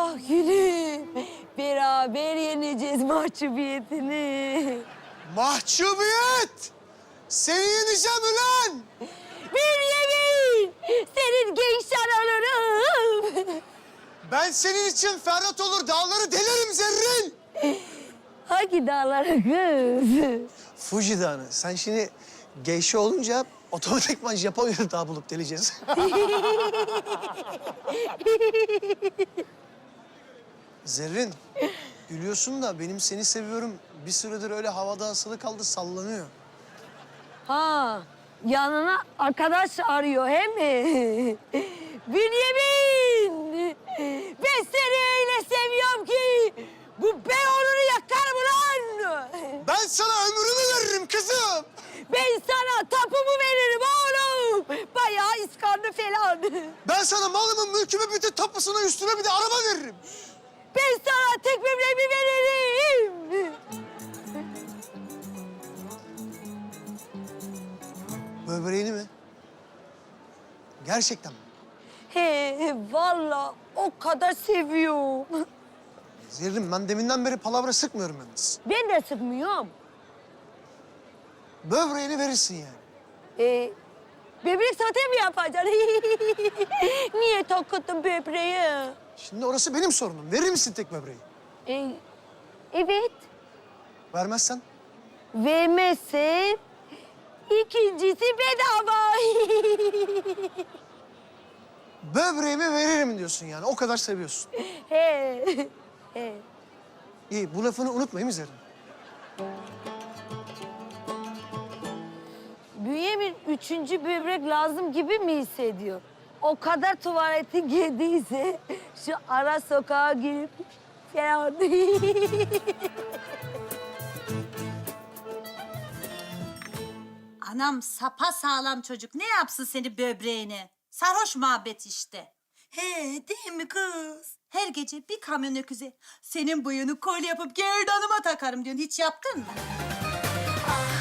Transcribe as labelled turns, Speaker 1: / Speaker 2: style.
Speaker 1: Ah gülüm. Beraber yeneceğiz mahcubiyetini.
Speaker 2: Mahcubiyet! Seni yeneceğim ulan!
Speaker 1: Bir yemin. Senin gençler olurum.
Speaker 2: Ben senin için Ferhat olur, dağları delerim Zerrin!
Speaker 1: Hangi dağlara kız?
Speaker 2: Fuji Dağı'nı. Sen şimdi geyşe olunca otomatikman Japonya'da dağ bulup deleceğiz. Zerrin, gülüyorsun da benim seni seviyorum. Bir süredir öyle havada asılı kaldı, sallanıyor.
Speaker 1: Ha, yanına arkadaş arıyor he mi? Bünyamin! Ben seni öyle seviyorum ki bu Beyoğlu'nu yakarım ulan!
Speaker 2: Ben sana ömrümü veririm kızım.
Speaker 1: Ben sana tapumu veririm oğlum! Bayağı iskanlı falan.
Speaker 2: Ben sana malımın, mülkümü, bütün tapusunu, üstüne bir de araba veririm.
Speaker 1: Ben sana tek böbreğimi veririm!
Speaker 2: Böbreğini mi? Gerçekten mi?
Speaker 1: He, vallahi o kadar seviyorum.
Speaker 2: Zerrin, ben deminden beri palavra sıkmıyorum yalnız.
Speaker 1: Ben de sıkmıyorum.
Speaker 2: Böbreğini verirsin yani.
Speaker 1: Böbrek satı mı yapacaksın? Niye takıttın böbreği?
Speaker 2: Şimdi orası benim sorunum. Verir misin tek böbreği?
Speaker 1: Evet.
Speaker 2: Vermezsen?
Speaker 1: Vermezsem ikincisi bedava.
Speaker 2: Böbreğimi veririm diyorsun yani. O kadar seviyorsun.
Speaker 1: He. He.
Speaker 2: İyi, bu lafını unutmayayım mi Zerrin?
Speaker 1: Bünyamin üçüncü böbrek lazım gibi mi hissediyor? O kadar tuvaleti girdiyse şu ara sokağa girip falan.
Speaker 3: Anam sapa sağlam çocuk. Ne yapsın seni böbreğini? Sarhoş muhabbet işte. He değil mi kız? Her gece bir kamyon öküze senin bıyığını kolye yapıp gerdanıma takarım diyorsun. Hiç yaptın mı?